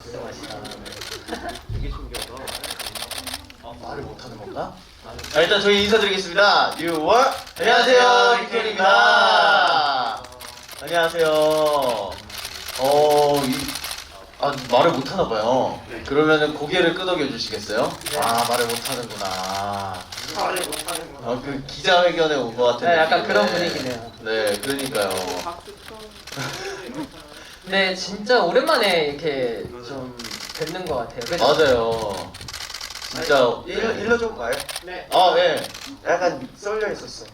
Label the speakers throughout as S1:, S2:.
S1: 진짜 맛있다.
S2: 되게 신기하다.
S1: 말을 못하는 건가? 자, 일단 저희 인사드리겠습니다. 뉴월 안녕하세요, 빅톤입니다. 안녕하세요. 말을 못하나 봐요. 그러면은 고개를 끄덕여 주시겠어요?
S2: 네.
S1: 아, 말을 못하는구나.
S2: 말을 못하는구나.
S1: 그 기자회견에 온 것 같은
S3: 네, 약간
S1: 느낌인데.
S3: 그런 분위기네요.
S1: 네, 그러니까요.
S2: 박수 쳐.
S3: 네, 진짜 오랜만에 이렇게 좀 뵙는 것 같아요. 그죠?
S1: 맞아요. 진짜.
S4: 일러 좀 가요?
S2: 네.
S1: 아, 네.
S4: 약간 썰려 있었어.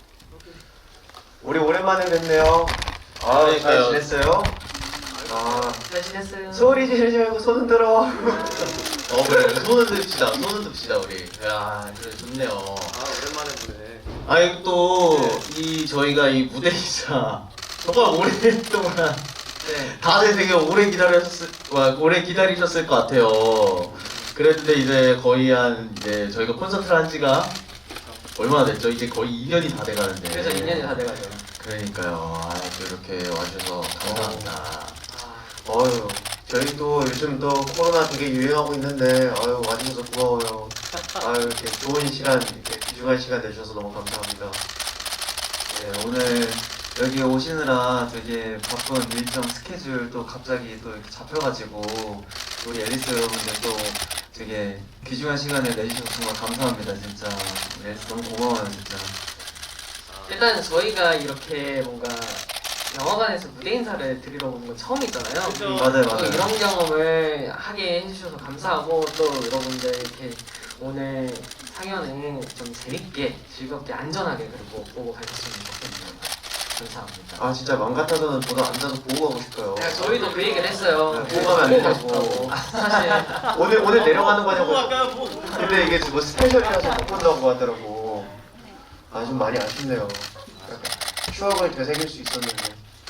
S4: 우리 오랜만에 뵙네요. 아, 잘
S1: 그러니까요.
S4: 지냈어요? 아,
S3: 잘 지냈어요?
S4: 소리 지르지 말고 손 흔들어.
S1: 그래. 손을 듭시다. 손을 듭시다, 우리. 야, 그래, 좋네요.
S2: 아 오랜만에 보네.
S1: 아니, 또, 저희가 이 무대이자 정말 오랫동안
S3: 네.
S1: 다들 되게 오래 기다리셨을 것 같아요. 그랬는데 이제 거의 저희가 콘서트를 한 지가 얼마나 됐죠? 이제 거의 2년이 다 돼가는데.
S3: 그래서 2년이 다 돼가죠.
S1: 그러니까요. 또 이렇게 와주셔서 감사합니다.
S4: 어휴, 저희도 요즘 또 코로나 되게 유행하고 있는데, 아유, 와주셔서 고마워요. 아유, 이렇게 좋은 시간, 이렇게 귀중한 시간 내주셔서 너무 감사합니다.
S5: 네, 오늘 여기 오시느라 되게 바쁜 일정 스케줄 또 갑자기 또 이렇게 잡혀가지고 우리 앨리스 여러분들 또 되게 귀중한 시간을 내주셔서 정말 감사합니다 진짜. 앨리스 너무 고마워요 진짜.
S3: 일단 저희가 이렇게 뭔가 영화관에서 무대 인사를 드리러 오는 건 처음이잖아요.
S2: 그죠.
S5: 맞아요
S3: 또
S5: 맞아요.
S3: 이런 경험을 하게 해주셔서 감사하고 또 여러분들 이렇게 오늘 상연을 좀 재밌게 즐겁게 안전하게 그리고 보고 가셨으면 좋겠네요. 감사합니다.
S4: 아, 진짜 맘 같아서는 저도 앉아서 보고 가고 싶어요.
S3: 네, 저희도 그 얘기를 했어요.
S4: 네, 보고 가면 안 되냐고.
S3: 싶다고. 사실
S4: 오늘 내려가는 거냐고.
S2: 아까 뭐.
S4: 근데 이게 뭐 스페셜이라서 못 본다고 하더라고. 아, 좀 많이 아쉽네요. 약간 추억을 되새길 수 있었는데.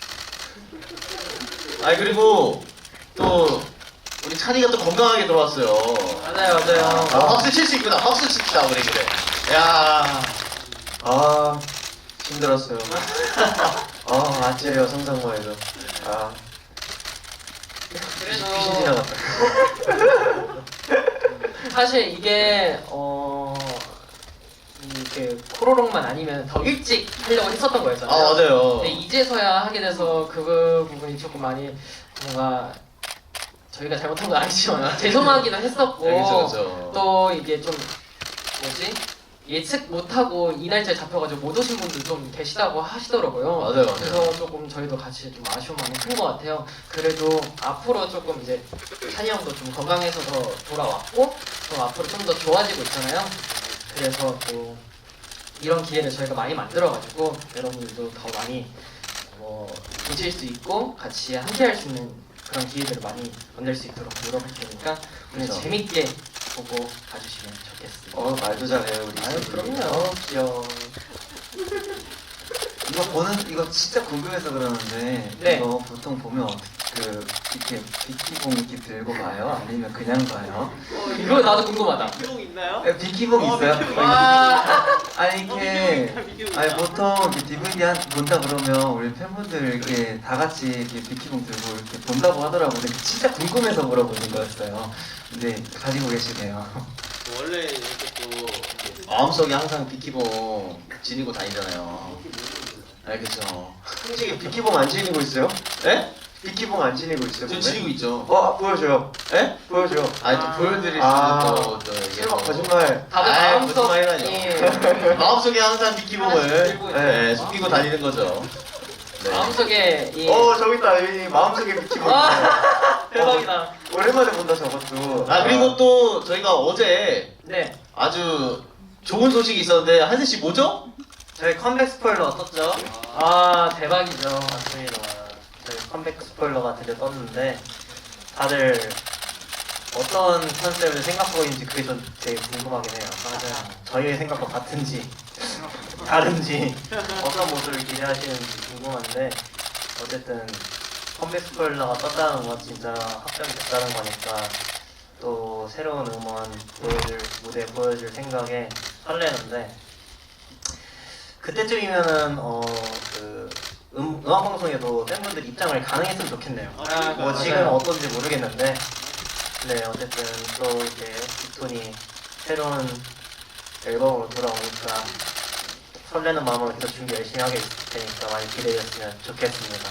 S1: 아니, 그리고 또 우리 찬이가 또 건강하게 돌아왔어요.
S3: 맞아요, 맞아요.
S1: 박수 칠 수 있구나. 박수 칩시다, 우리 그래. 야.
S4: 아, 힘들었어요. 아, 아찔해요, 상상만 해도. 아, 귀신
S3: 그래서
S4: 지나갔다.
S3: 사실 이게 이렇게 코로롱만 아니면 더 일찍 하려고 했었던 거였잖아요.
S1: 아, 맞아요.
S3: 근데 이제서야 하게 돼서 그 부분이 조금 많이 뭔가 저희가 잘못한 건 아니지만 죄송하기도 했었고
S1: 네, 그죠.
S3: 또 이게 좀 뭐지 예측 못하고 이 날짜에 잡혀가지고 못 오신 분들 좀 계시다고 하시더라고요.
S1: 맞아요.
S3: 그래서 조금 저희도 같이 좀 아쉬운 마음이 큰 것 같아요. 그래도 앞으로 조금 이제 찬이 형도 좀 건강해서 더 돌아왔고 또 앞으로 좀 더 좋아지고 있잖아요. 그래서 또 이런 기회를 저희가 많이 만들어가지고 여러분들도 더 많이 보실 수 있고 같이 함께할 수 있는 그런 기회들을 많이 만들 수 있도록 노력할 테니까 오늘
S1: 그렇죠.
S3: 재밌게 보고 가주시면 좋겠습니다.
S4: 말도 잘해요, 우리.
S3: 아유
S4: 친구.
S3: 그럼요. 귀여워.
S5: 이거 진짜 궁금해서 그러는데
S3: 네.
S5: 이거 보통 보면 이렇게 비키봉 이렇게 들고 가요? 아니면 그냥 가요?
S3: 이거 나도 궁금하다.
S2: 비용 있나요?
S5: 비키봉 있어요?
S3: 와.
S5: 아니 이렇게 아니 보통 이렇게 DVD 본다 그러면 우리 팬분들 이렇게 다 같이 이렇게 비키봉 들고 이렇게 본다고 하더라고요. 근데 진짜 궁금해서 물어보는 거였어요. 근데 가지고 계시네요.
S2: 원래 이렇게 또
S1: 마음속에 항상 비키봉 지니고 다니잖아요. 네, 그죠.
S4: 솔직히 비키봉 안 지니고 있어요?
S1: 네?
S4: 비키봉 안 지니고 있어요?
S1: 저
S4: 몸에?
S1: 지니고 있죠.
S4: 보여줘요.
S1: 네?
S4: 보여줘.
S1: 아니, 또 보여드릴
S4: 아.
S1: 수도 또 이게
S4: 설마
S1: 뭐.
S4: 거짓말.
S3: 다들
S1: 아이,
S3: 마음속
S1: 거짓말이라뇨. 마음속에 항상
S3: 하나씩
S1: 비키봉을
S3: 들고 있어요.
S1: 숨기고 다니는 거죠. 네.
S3: 마음속에 이
S4: 저기 있다. 여기 마음속에 비키봉.
S3: 와 대박이다.
S4: 오랜만에 본다, 저것도.
S1: 아, 그리고 또 저희가 어제
S3: 네.
S1: 아주 좋은 소식이 있었는데, 한세 씨 뭐죠?
S3: 저희 컴백 스포일러 떴죠? 아 대박이죠. 맞습니다. 저희 컴백 스포일러가 드디어 떴는데 다들 어떤 컨셉을 생각하고 있는지 그게 전 되게 궁금하긴 해요. 맞아요. 저희의 생각과 같은지 다른지 어떤 모습을 기대하시는지 궁금한데 어쨌든 컴백 스포일러가 떴다는 건 진짜 확정이 됐다는 거니까 또 새로운 음원 보여줄 무대 보여줄 생각에 설레는데 그때쯤이면은 음악 방송에도 팬분들 입장을 가능했으면 좋겠네요.
S2: 아,
S3: 뭐 지금 어떤지 모르겠는데 네, 어쨌든 또 이제 빅톤이 새로운 앨범으로 돌아오니까 설레는 마음으로 계속 준비 열심히 하게 있을 테니까 많이 기대해 주셨으면 좋겠습니다.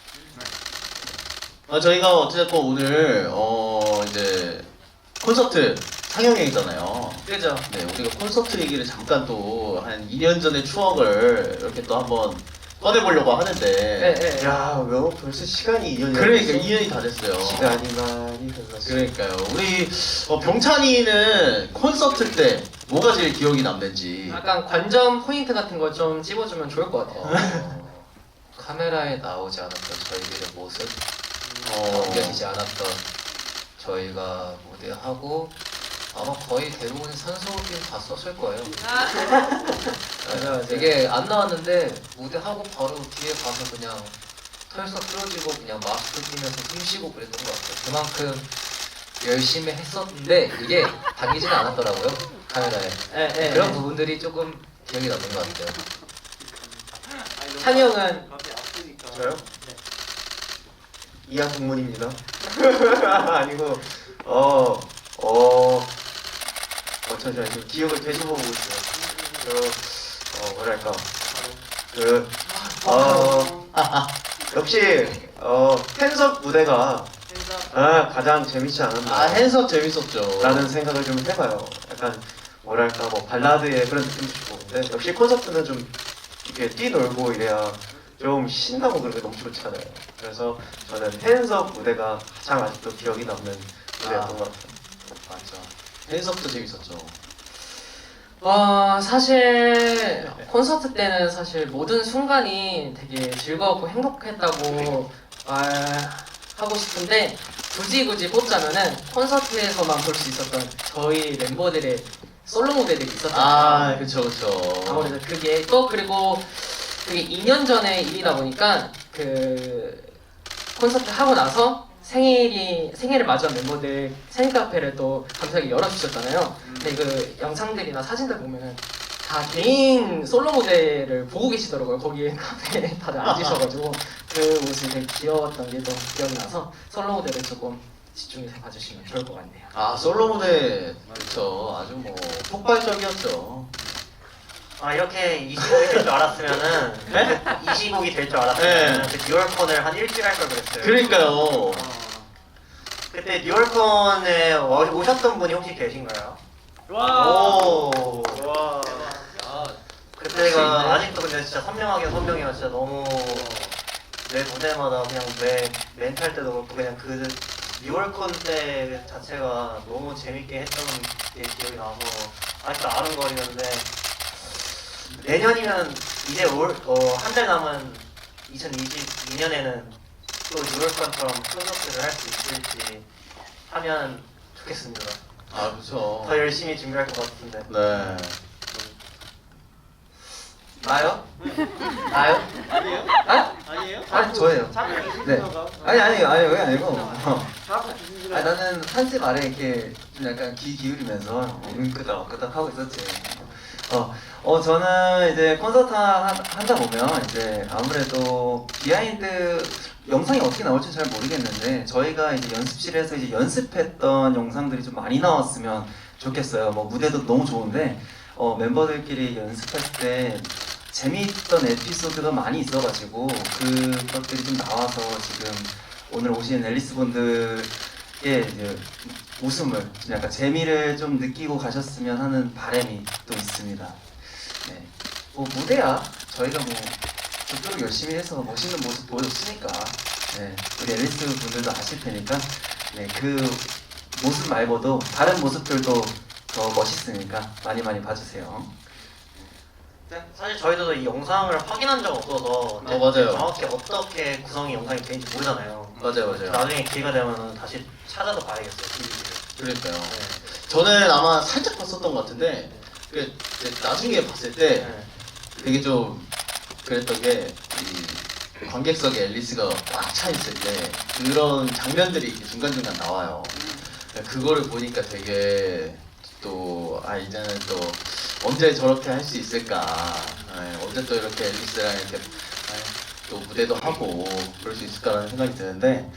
S1: 저희가 어쨌든 오늘 이제 콘서트 상영회잖아요.
S3: 그죠?
S1: 네, 우리가 콘서트 얘기를 잠깐 또 한 2년 전의 추억을 이렇게 또 한번 꺼내보려고 하는데
S3: 네.
S4: 야, 왜 벌써 시간이 2년이
S1: 그러니까 2년이 다 됐어요.
S4: 시간이 많이 흘렀어.
S1: 그러니까요. 우리 병찬이는 콘서트 때 뭐가 제일 기억이 남는지.
S3: 약간 관전 포인트 같은 거 좀 찝어주면 좋을 것 같아요.
S6: 카메라에 나오지 않았던 저희들의 모습,
S1: 어,
S6: 남겨지지 않았던 저희가 무대하고 아마 거의 대부분 산소호흡 다 썼을 거예요.
S3: 맞아.
S6: 이게 안 나왔는데 무대하고 바로 뒤에 가서 그냥 털썩 풀어지고 그냥 마스크 끼면서 숨 쉬고 그랬던 것 같아요. 그만큼 열심히 했었는데 이게 당기지는 않았더라고요, 카메라에.
S3: 네.
S6: 그런 부분들이 조금 기억이 남는 것 같아요.
S3: 찬이 형은
S2: 갑자기 아프니까.
S4: 저요? 이하 동문입니다. 아니고 잠시만 좀 기억을 되짚어보고 있어요. 뭐랄까 역시 팬석 무대가 가장 재밌지 않았나
S1: 핸섬 재밌었죠.
S4: 라는 생각을 좀 해봐요. 약간 뭐랄까 뭐 발라드의 그런 느낌도 주고 근데 역시 콘서트는 좀 이렇게 뛰놀고 이래야 좀 신나고 그런 게 너무 좋잖아요. 그래서 저는 팬석 무대가 가장 아직도 기억이 남는 무대였던 것 같아요.
S1: 맞죠. 핸섬도 재밌었죠.
S3: 사실 콘서트 때는 사실 모든 순간이 되게 즐거웠고 행복했다고 말하고 싶은데 굳이 뽑자면은 콘서트에서만 볼 수 있었던 저희 멤버들의 솔로 무대들이 있었잖아요.
S1: 그쵸.
S3: 아무래도 그게 또 그리고 그게 2년 전의 일이다 보니까 그 콘서트 하고 나서 생일을 맞이한 멤버들 생일 카페를 또 감사하게 열어주셨잖아요. 근데 그 영상들이나 사진들 보면은 다 개인 솔로 무대를 보고 계시더라고요. 거기에 카페에 다들 앉으셔가지고 그 모습이 되게 귀여웠던 게 또 기억이 나서 솔로 무대를 조금 집중해서 봐주시면 좋을 것 같네요.
S1: 솔로 무대 그쵸. 아주 뭐 폭발적이었죠.
S7: 이렇게 20곡이 될 줄 알았으면은
S1: 네?
S7: 20곡이 될 줄 알았으면
S1: 네.
S7: 그 뉴얼콘을 한 일주일 할 걸 그랬어요.
S1: 그러니까요.
S7: 그때 뉴얼콘에 오셨던 분이 혹시 계신가요?
S1: 오.
S2: 와.
S7: 그때가 아직도 근데 진짜 선명해요. 진짜 너무 매 무대마다 그냥 매 멘트 할 때도 그렇고 그냥 그 뉴얼콘 때 자체가 너무 재밌게 했던 게 기억이 나서 아직도 아른거리는데 내년이면 이제 한 달 남은 2022년에는 또 뉴얼콘처럼 콘서트를 할 수 있을지 하면 좋겠습니다.
S1: 그쵸.
S7: 더 열심히 준비할 것 같은데.
S1: 네.
S3: 나요? 나요?
S2: 아니에요?
S3: 아?
S2: 아니에요?
S5: 아니 저예요.
S2: 자꾸
S5: 네.
S2: 기준서가.
S5: 아니 그게 아니고.
S2: 자꾸 기준서가.
S5: 나는 한스 말에 이렇게 좀 약간 귀 기울이면서 끄덕끄덕 하고 있었지. 저는 이제 콘서트 한다 보면 이제 아무래도 비하인드 영상이 어떻게 나올지 잘 모르겠는데 저희가 이제 연습실에서 이제 연습했던 영상들이 좀 많이 나왔으면 좋겠어요. 뭐 무대도 너무 좋은데 멤버들끼리 연습할 때 재미있던 에피소드가 많이 있어가지고 그것들이 좀 나와서 지금 오늘 오신 앨리스 분들의 이제 웃음을 좀 약간 재미를 좀 느끼고 가셨으면 하는 바람이 또 있습니다. 네. 무대야 저희가 저토록 열심히 해서 멋있는 모습 보여줬으니까 네. 우리 앨리스 분들도 아실 테니까 네. 그 모습 말고도 다른 모습들도 더 멋있으니까 많이 봐주세요.
S7: 사실 저희도 이 영상을 확인한 적 없어서
S1: 맞아요.
S7: 정확히 어떻게 구성이 영상이 되는지 모르잖아요.
S1: 맞아요.
S7: 나중에 기회가 되면 다시 찾아서 봐야겠어요. TV를.
S1: 그러니까요. 저는 아마 살짝 봤었던 것 같은데 이제 나중에 봤을 때
S7: 네.
S1: 되게 좀 그랬던 게 이 관객석에 앨리스가 꽉 차 있을 때 그런 장면들이 이렇게 중간중간 나와요. 그거를 보니까 되게 또 이제는 또 언제 저렇게 할 수 있을까, 언제 또 이렇게 앨리스랑 이렇게 또 무대도 하고 그럴 수 있을까라는 생각이 드는데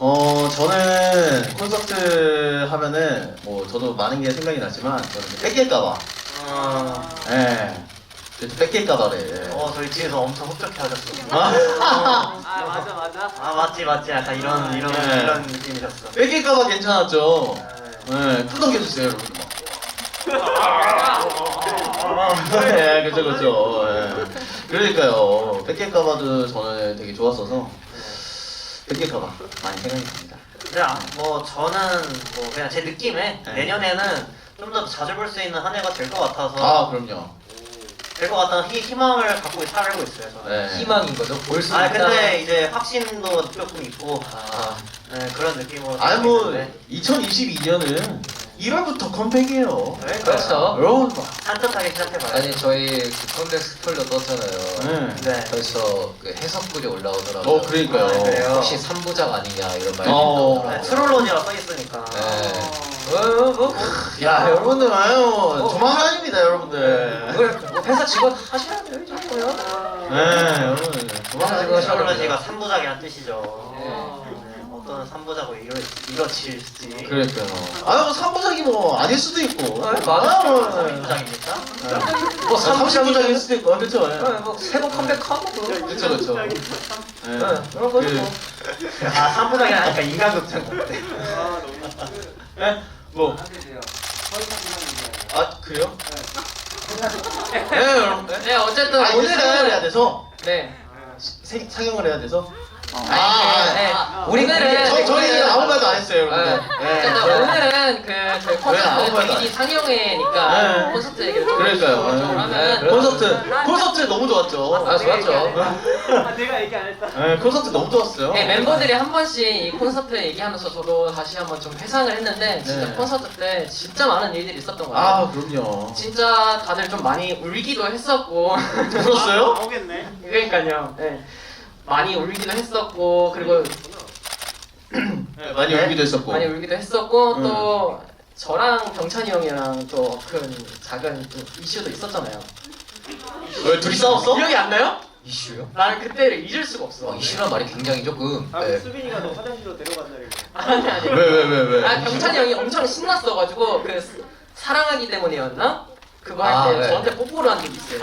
S1: 저는 콘서트 하면은 뭐 저도 많은 게 생각이 나지만 저는 뺏길까봐 예 그래서 뺏길까봐래
S7: 저희 뒤에서 엄청 흡족해 하셨어요.
S2: 아 맞아 맞아.
S7: 아 맞지 약간 이런
S1: 네.
S7: 이런 느낌이셨어.
S1: 뺏길까봐 괜찮았죠. 예 끄덕여주세요 여러분. 네, 그쵸. 예. 그러니까요. 뺏길까봐도 저는 되게 좋았어서 뺏길까봐 많이 생각이 납니다.
S7: 근데 뭐 저는 뭐 그냥 제 느낌에
S1: 네.
S7: 내년에는 좀 더 자주 볼 수 있는 한 해가 될 것 같아서
S1: 아, 그럼요.
S7: 될 것 같다는 희망을 갖고 살고 있어요. 저는.
S1: 네.
S6: 희망인 거죠. 볼 수
S7: 아
S6: 있다.
S7: 근데 이제 확신도 조금 있고
S6: 아,
S7: 네, 그런 느낌으로.
S1: 아니 뭐
S7: 있는데.
S1: 2022년은 1월부터 컴백이에요.
S6: 그렇죠.
S1: 여러분.
S7: 산뜻하게 시작해봐요.
S6: 아니 저희 그 컴백 스포일러 떴잖아요.
S1: 네.
S7: 네.
S6: 벌써 그 해석글이 올라오더라고요.
S1: 그러니까요.
S7: 아, 그래요?
S6: 혹시 3부작 아니냐 이런 말이
S1: 어.
S7: 네,
S6: 나오더라고요.
S7: 트롤론이라 써있으니까.
S1: 야, 여러분들 아유, 조만간입니다, 여러분들.
S6: 회사 직원 하셔야 돼요 이 정도면.
S1: 네, 여러분. 조만간입니다.
S7: 트롤론이가 3부작이란 뜻이죠.
S6: 네.
S7: 어떤 3부작으로 이뤄질지.
S1: 그러니까요. 아유, 뭐 3부작이 뭐 아닐 수도 있고.
S6: 아, 맞아.
S7: 3부작입니까?
S1: 뭐 30부작일 수도 있고. 그렇죠. 예.
S6: 새로 컴백하고
S1: 그렇죠, 그렇죠. 예.
S6: 그,
S7: 아 3부작이 아니까 인간극장 같아.
S2: 아 너무.
S1: 예? 뭐? 아, 그래요? 네, 여러분.
S6: 네 어쨌든
S1: 아, 이제 상영을 해야
S6: 오늘은
S1: 돼서?
S6: 네.
S1: 상영을 해야 돼서?
S6: 네. 오늘은
S1: 저희는 아무 말도 안 했어요, 여러분들.
S6: 어쨌든 오늘은 그 저희
S1: 아무
S6: 콘서트
S1: 말도 안
S6: DVD 상영회니까
S1: 네.
S6: 콘서트 얘기를 좀
S1: 그러니까요.
S6: 하면
S1: 콘서트 너무 좋았죠.
S6: 아 좋았죠.
S2: 아 내가 얘기 안 했다.
S1: 네, 콘서트 너무 좋았어요.
S6: 네, 멤버들이 한 번씩 이 콘서트 얘기하면서 저도 다시 한번 좀 회상을 했는데 진짜
S1: 네.
S6: 콘서트 때 진짜 많은 일들이 있었던 거예요.
S1: 아, 그럼요.
S6: 진짜 다들 좀 많이 울기도 했었고
S1: 울었어요?
S2: 나오겠네.
S6: 그러니까요. 네. 많이 울기도 했었고 그리고
S1: 네, 많이 울기도 했었고.
S6: 많이 울기도 했었고
S1: 음.
S6: 또 저랑 병찬이 형이랑 또 큰 작은 또 이슈도 있었잖아요.
S1: 왜 둘이 싸웠어?
S6: 기억이 안 나요? 이슈요? 나는 그때를 잊을 수가 없어. 이슈란 말이 굉장히 조금
S2: 아
S6: 네.
S2: 수빈이가 너 화장실로 데려간다 이거.
S6: 아니.
S1: 왜?
S6: 아 병찬이 형이 엄청 신났어가지고 그 사랑하기 때문이었나? 그거 할 때 네. 저한테 뽀뽀를 한 적이 있어요.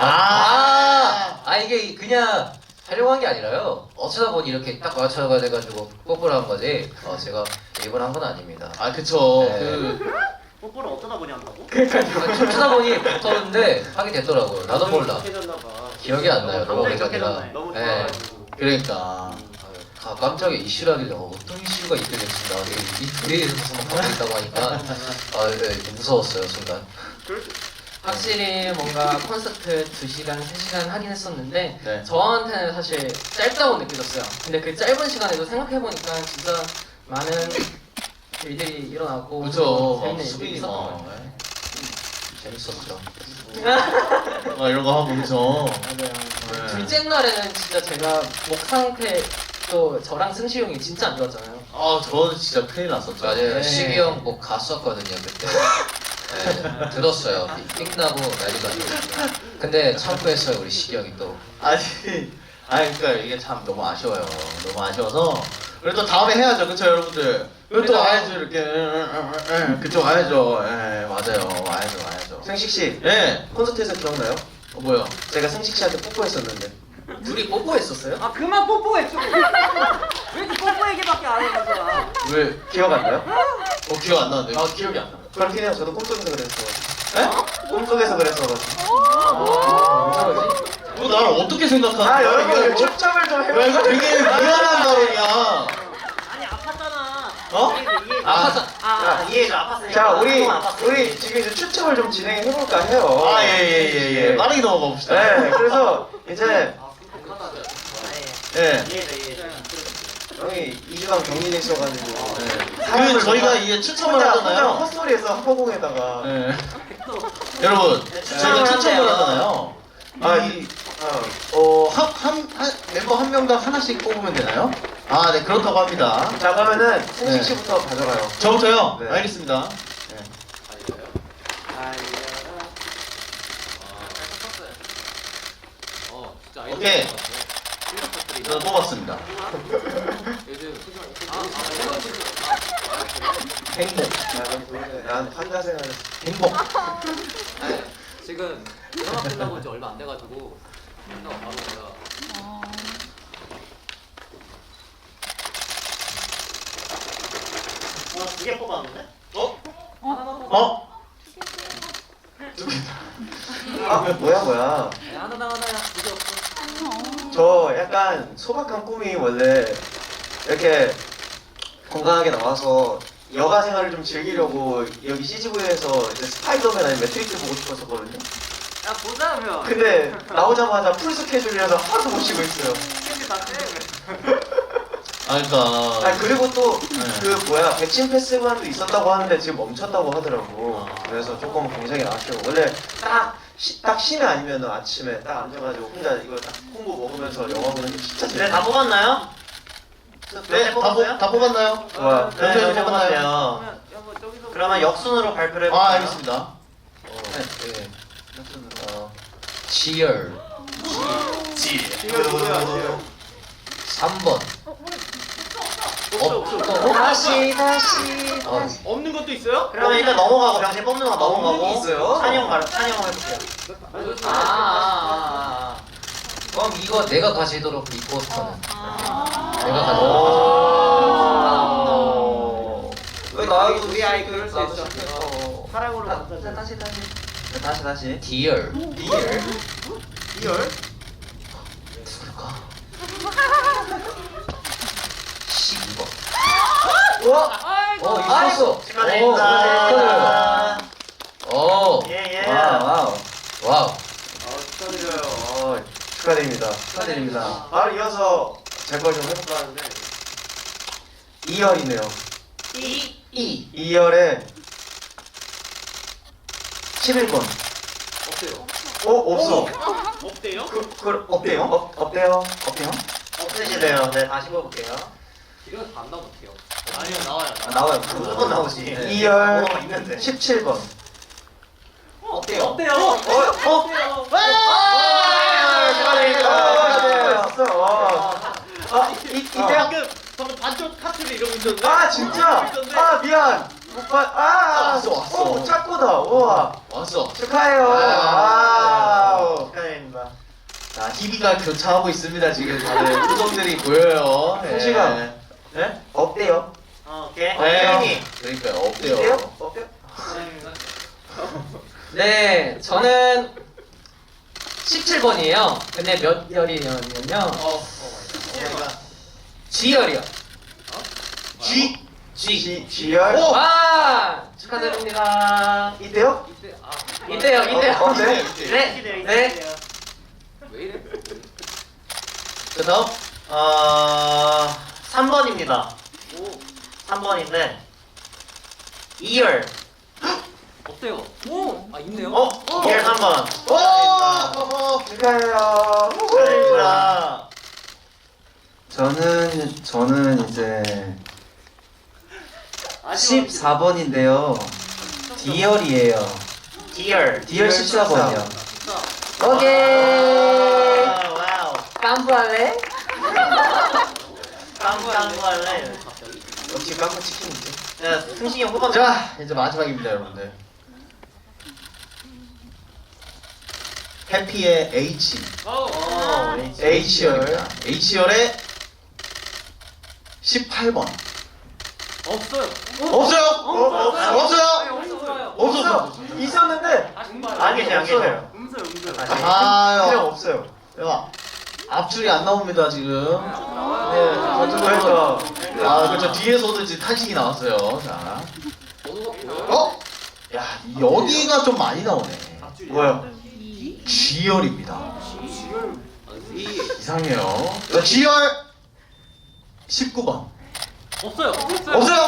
S5: 이게 그냥 하려고 한 게 아니라요. 어쩌다 보니 이렇게 딱 맞춰가 돼가지고 뽀뽀를 한 거지. 제가 일부러 한 건 아닙니다.
S1: 아, 그쵸.
S5: 네.
S2: 뽀뽀를 어쩌다 보니 한다고?
S5: 춤추다 보니 붙었는데 하게 됐더라고요. 나도 몰라.
S2: 착해졌나 봐.
S5: 기억이 안 나요. 너무
S2: 갑자기
S5: 오래전이라.
S2: 착해졌네. 너무
S5: 네.
S2: 좋아가지고.
S1: 그러니까.
S5: 깜짝이야 이슈라길래 어떤 이슈가 있게 됐지 나한테 이 둘이서만 하고 있다고 하니까 좀 무서웠어요 순간.
S6: 확실히 뭔가 콘서트 2시간, 3시간 하긴 했었는데
S1: 네.
S6: 저한테는 사실 짧다고 느껴졌어요. 근데 그 짧은 시간에도 생각해보니까 진짜 많은 일들이 일어나고
S1: 그쵸.
S6: 재밌는 일들이
S1: 수빈이
S6: 있었던 것
S1: 막.
S6: 같아요.
S5: 재밌었죠.
S1: 이런 거 하고 그쵸.
S6: 맞아요. 둘째 날에는 진짜 제가 목 상태 또 저랑 승시 형이 진짜 안 좋았잖아요.
S1: 아, 저는 진짜 큰일 났었죠.
S5: 맞아요.
S6: 네.
S5: 시기 형 뭐 갔었거든요 그때. 네, 들었어요. 삑나고 난리가 났어요. 근데 참고했어요 우리 시기 형이 또.
S1: 아니, 그러니까 이게 참 너무 아쉬워요. 너무 아쉬워서. 그래도 다음에 해야죠, 그쵸, 여러분들? 그리고 또 와야죠, 이렇게. 그쵸, 와야죠. 예, 맞아요. 와야죠.
S4: 승식 씨
S1: 예,
S4: 콘서트에서 기억나요?
S1: 뭐요?
S4: 제가 승식 씨한테 뽀뽀했었는데.
S6: 둘이 뽀뽀했었어요?
S2: 아 그만 뽀뽀해 좀. 왜 이렇게 뽀뽀 얘기밖에 안 해, 진짜.
S1: 왜?
S4: 기억 안 나요?
S1: 기억 안 나는데.
S6: 아 기억이 안 나.
S4: 그렇긴 해요. 저도 꿈속에서 그랬어.
S1: 에?
S4: 꿈속에서 그랬어.
S6: 뭐지?
S1: 너 나를 어떻게 생각하는 거야?
S4: 여러분
S1: 이거
S4: 초점을 좀
S1: 야,
S4: 해봐.
S1: 이거 되게 위험한 발언이야.
S2: 아니 아팠잖아.
S1: 어?
S7: 이해해줘. 아팠으니까.
S4: 자,
S7: 아팠으니까.
S4: 우리 지금 이제 추첨을 좀 진행해 볼까 해요.
S1: 예. 빠르게 넘어가 봅시다.
S4: 네, 그래서 이제
S1: 예.
S7: 이해해줘.
S4: 형이 2주간 격리돼 있어가지고
S1: 그 저희가 이게 추첨을
S4: 혼자
S1: 하잖아요.
S4: 헛소리에서 허공에다가
S1: 예. 여러분, 저희가 추첨을 하잖아요. 멤버 한 명당 하나씩 뽑으면 되나요? 아, 네, 그렇다고 합니다.
S4: 자 그러면은
S1: 네.
S4: 승식 씨부터 가져가요.
S1: 저부터요?
S4: 네.
S1: 알겠습니다. 오케이. 저는 뽑았습니다. 행복.
S4: 난 환자 생활.
S1: 행복.
S2: 지금 드라마 끝나고 이제 얼마 안 돼가지고 끝나고 바로 제가
S7: 두 개 뽑았는데?
S1: 어?
S4: 아 뭐야.
S2: 하나 두개 없어.
S4: 저 약간 소박한 꿈이 원래 이렇게 건강하게 나와서 여가 생활을 좀 즐기려고 여기 CGV에서 이제 스파이더맨 아니면 매트릭스 보고 싶었었거든요.
S2: 야 보자면.
S4: 근데 나오자마자 풀 스케줄이라서 하나도 못 쉬고 있어요.
S2: 스케줄 다 떼.
S1: 아, 그러니까.
S4: 아 그리고 또
S1: 네.
S4: 그 뭐야 백신 패스만도 있었다고 하는데 지금 멈췄다고 하더라고.
S1: 아.
S4: 그래서 조금 굉장히 아쉬워. 원래 딱 쉬면 아니면 아침에 딱 앉아가지고 혼자 이거 딱 콤보 먹으면서 영화 보는 게 진짜
S7: 네,
S4: 재밌어.
S7: 다 뽑았나요?
S1: 네, 다 뽑았나요?
S4: 좋아.
S7: 네,
S1: 네,
S7: 다 뽑았네요.
S2: 뭐 저기서.
S7: 그러면 역순으로 발표를 해볼까요?
S1: 아, 알겠습니다.
S5: 네.
S6: 지열
S4: 이거 누구야?
S6: 3번.
S3: 다시
S2: 없는 것도 있어요?
S7: 그러면 일단 넘어가고 당신 뽑는 거 넘어가고
S4: 없는 게 있어요?
S7: 찬영 해볼게요.
S6: 그럼 이거 내가 가지도록 이 포스터는 내가
S4: 오.
S6: 가지도록.
S4: 왜 나도
S2: 우리 아이 그럴 수
S4: 나도
S2: 있어.
S4: 시켰어.
S7: 사랑으로
S5: 다시.
S6: 디얼
S4: 리얼? 리얼?
S6: 누굴까? 12번.
S4: 와!
S6: 이거 있었어.
S7: 축하드립니다.
S6: 오.
S7: 예예.
S5: 와우.
S6: 와우.
S4: 축하드려요. 축하드립니다.
S5: 축하드립니다.
S4: 바로 이어서 제 걸 좀 해볼까 하는데 2열이네요. 2열에 11번.
S2: 없대요.
S4: 없어.
S2: 없대요?
S4: 없대요? 없대요?
S7: 없으시대요. 네 다시 뽑을게요.
S2: 이런 거 안 나오면 어떡해요? 아니요 나와요.
S5: 나와요.
S7: 무조건 나오지.
S4: 2열
S7: 번호가 있는데.
S4: 17번.
S2: 없대요. 없대요. 방금 반쪽 카트를 이러고 있었는데.
S4: 아 진짜? 아 미안. 오빠
S1: 왔어.
S4: 짝꿍다. 우와.
S1: 왔어.
S4: 축하해요. 와우.
S7: 축하드립니다.
S1: 자, 희비가 교차하고 있습니다. 지금 다들 표정들이 보여요. 네.
S4: 성시가. 네? 없대요.
S7: 오케이.
S1: 네. 그러니까요. 없대요.
S4: 없대요? 없대요?
S3: 네, 저는 17번이에요. 근데 몇 열이냐면요. G열이요.
S4: G열?
S3: 와! 축하드립니다.
S4: 이때요?
S3: 이때요.
S4: 네.
S3: 네.
S2: 왜 이래?
S7: 그 다음 3번입니다. 3번인데 2열.
S2: 없대요. 오. 아 있네요.
S7: 2열 3번.
S4: 축하해요.
S7: 축하드립니다.
S5: 저는 이제 14번인데요. 디얼이에요.
S7: 디얼.
S5: 디얼 14번이요.
S3: 오케이.
S7: 와우.
S3: 깜부할래?
S7: 깡부 할래.
S4: 역시 깡부 치킨이지.
S7: 자, 승식이 형 뽑아.
S1: 자, 이제 마지막입니다, 여러분들. 해피의 H. H열입니다. H열의 18번.
S2: 없어요.
S1: 없어요? 없어요?
S2: 없어요.
S1: 없어.
S4: 있었는데
S7: 안 계세요.
S2: 음소요.
S4: 그냥
S1: 아요.
S4: 없어요.
S1: 야, 앞줄이 안 나옵니다, 지금.
S4: 그러니까
S1: 아, 그렇죠. 뒤에서도 지금 탄식이 나왔어요. 자.
S2: 번호가 보여요?
S1: 어? 야, 여기가 좀 많이 나오네.
S4: 뭐야?
S1: G열입니다. 이상해요. 자,
S2: 네.
S1: G열 19번.
S2: 없어요.
S1: 없어요?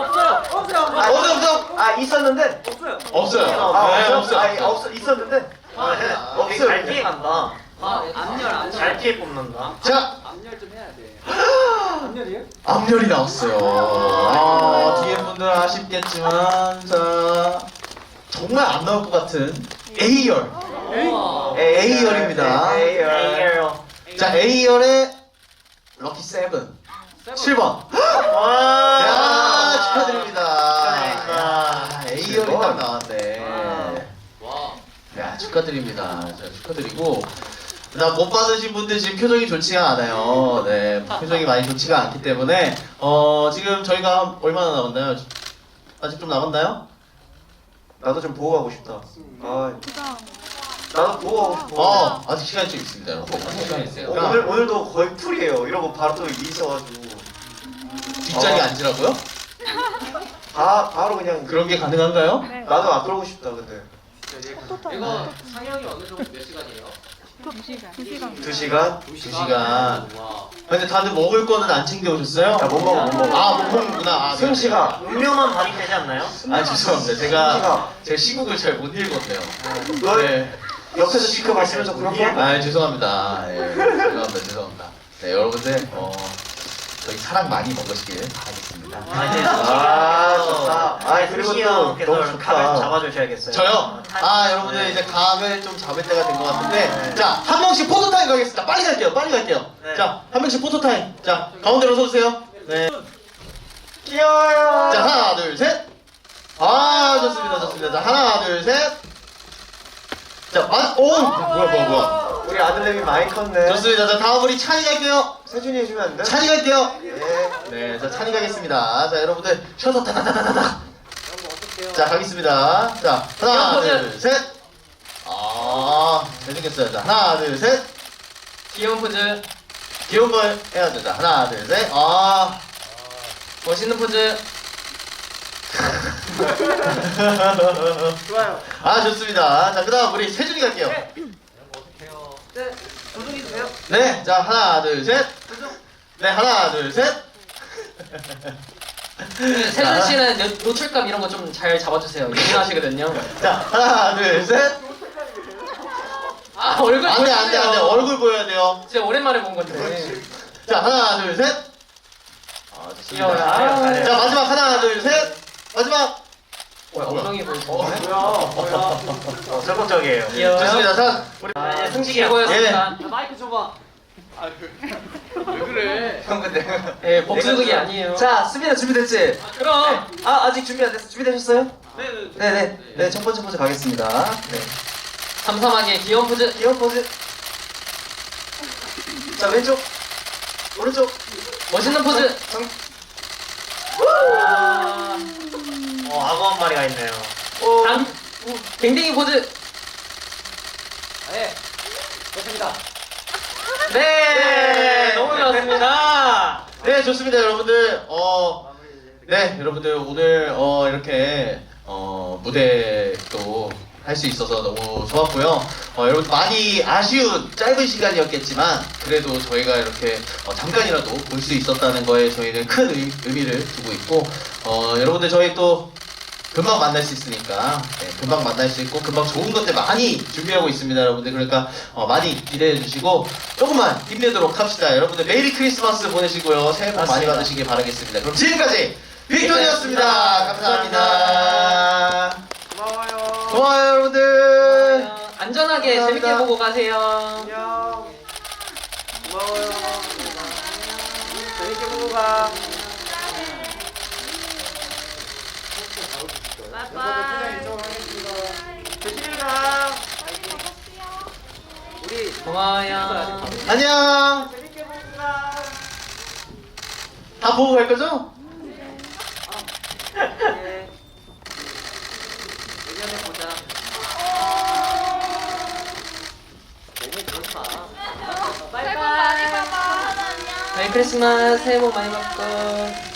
S1: 없어요?
S4: 아 있었는데
S1: 없어요.
S4: 아
S1: 네,
S4: 없어.
S1: 없어요.
S4: 없어 있었는데
S7: 없어요. 잘 피해 간다.
S2: 앞열.
S7: 잘 피해 뽑는다.
S1: 자,
S2: 앞열 좀 해야 돼. 앞열이에요?
S1: 앞열이 나왔어요. 아, 뒤에 분들 아쉽겠지만, 자, 정말 안 나올 것 같은 A열. A열입니다.
S4: A열.
S7: A열.
S1: 자, A열의 럭키 세븐.
S2: 세븐.
S1: 7번.
S4: 와.
S1: 야, 축하드립니다.
S4: 축하드립니다.
S1: 야, A열이 딱 나왔네.
S6: 와.
S1: 야, 축하드립니다. 자, 축하드리고. 나 못 받으신 분들 지금 표정이 좋지가 않아요. 네, 표정이 많이 좋지가 않기 때문에 지금 저희가 얼마나 남았나요? 아직 좀 남았나요?
S4: 나도 좀 보고 가고 싶다. 아, 나도 보고 가고 싶어.
S1: 아직 시간이 좀 있습니다, 여러분. 아직 시간이 있어요.
S4: 오늘도 거의 풀이에요. 이러고 바로 또 일이 있어가지고
S1: 뒷자리 앉으라고요?
S4: 바로 그냥
S1: 그런 게 가능한가요?
S4: 나도 안 그러고 싶다 근데.
S6: 이거 상영이 어느 정도 몇 시간이에요?
S4: 2시간?
S1: 2시간.
S6: 와.
S1: 근데 다들 먹을 거는 안 챙겨 오셨어요?
S4: 야, 못 먹어, 못 먹어.
S1: 아, 못 먹는구나. 아,
S4: 승 씨가
S7: 음료만 받으면 되지 않나요?
S1: 아, 죄송합니다. 제가 시국을 잘 못 읽었네요.
S4: 너
S1: 네.
S4: 옆에서 지켜봤으면 좀 그렇게?
S1: 아, 죄송합니다. 예, 죄송합니다. 네, 여러분들, 저희 사랑 많이 먹으시길 바라겠습니다.
S4: 아, 좋다. 아, 그리고
S7: 승희
S4: 또
S7: 형께서
S4: 너무
S7: 각을
S4: 좋다.
S7: 잡아주셔야겠어요.
S1: 저요? 아, 여러분들 이제 각을 좀 잡을 때가 된 것 같은데, 자, 한 명씩 포토타임 가겠습니다. 빨리 갈게요.
S7: 네.
S1: 자, 한 명씩 포토타임. 자, 가운데로 서주세요. 네.
S4: 귀여워요.
S1: 자, 하나, 둘, 셋. 아, 좋습니다. 자, 하나, 둘, 셋. 자, 뭐야.
S4: 우리 아들내미 많이 컸네.
S1: 좋습니다. 자, 다음 우리 찬이 갈게요.
S4: 세준이 해주면 안 돼?
S1: 찬이 갈게요.
S4: 예.
S1: 네, 자, 찬이 가겠습니다. 자, 여러분들, 셔서 다다다다다다. 자, 가겠습니다. 자, 하나, 둘, 셋. 아, 잘생겼어요. 자, 하나, 둘, 셋.
S3: 귀여운 포즈.
S1: 귀여운 걸 해야죠. 자, 하나, 둘, 셋. 아,
S3: 멋있는 포즈.
S2: 좋아요.
S1: 아, 좋습니다. 자, 그 다음 우리 세준이 갈게요.
S2: 네, 조종해 주세요.
S1: 네, 자, 하나, 둘, 셋. 네, 하나, 둘, 셋.
S3: 세준 씨는 노출감 이런 거 좀 잘 잡아주세요. 예민하시거든요.
S1: 자, 하나, 둘, 셋.
S3: 아 얼굴
S1: 안 돼,
S3: 보여주세요.
S1: 얼굴 보여야 돼요.
S3: 진짜 오랜만에 본 건데.
S1: 자, 하나, 둘, 셋. 아,
S3: 귀여워요.
S1: 좋습니다.
S3: 아유.
S1: 자, 마지막 하나, 둘, 셋. 마지막.
S3: 엉덩이 보여주세요.
S7: 어, 적극적이에요.
S3: 귀여워요.
S1: 좋습니다. 자, 우리
S3: 아, 예, 승식이 최고였습니다.
S2: 야, 마이크 줘봐.
S5: 형 근데
S3: 예, 복수극이 아니에요.
S5: 자 수빈아 준비됐지?
S3: 그럼.
S5: 아직 준비 안 됐어. 준비되셨어요?
S2: 네.
S5: 네네. 첫 번째 포즈 가겠습니다. 네.
S3: 삼삼하게 귀여운 포즈.
S5: 귀여운 포즈. 자 왼쪽, 오른쪽.
S3: 멋있는 포즈.
S7: 악어 한 마리가 있네요.
S3: 당, 댕댕이 포즈.
S2: 네. 좋습니다.
S3: 네, 너무 좋았습니다.
S1: 네, 좋습니다, 여러분들. 네, 여러분들 오늘 이렇게 무대 또 할 수 있어서 너무 좋았고요. 여러분 많이 아쉬운 짧은 시간이었겠지만 그래도 저희가 이렇게 잠깐이라도 볼 수 있었다는 거에 저희는 큰 의미를 두고 있고 여러분들 저희 또 금방 만날 수 있으니까 네, 금방 만날 수 있고 금방 좋은 것들 많이 준비하고 있습니다, 여러분들. 그러니까 많이 기대해 주시고 조금만 힘내도록 합시다. 여러분들 메리 크리스마스 보내시고요. 새해 복 많이
S3: 맞습니다.
S1: 받으시길 바라겠습니다. 그럼 지금까지 빅톤이었습니다. 감사합니다. 고마워요, 여러분들.
S3: 안전하게
S1: 감사합니다.
S3: 재밌게 보고 가세요.
S2: 안녕. 고마워요. 재밌게 보고 가. 조심히 가. 우리
S3: 고마워요.
S1: 안녕.
S2: 재밌게 보고 가.
S1: 다 보고 갈 거죠?
S2: 네. 내년에 보자. 너무 그렇지 마.
S8: 새해 복 많이 받아. 안녕.
S3: 메리 크리스마스. 새해 복 많이 받고.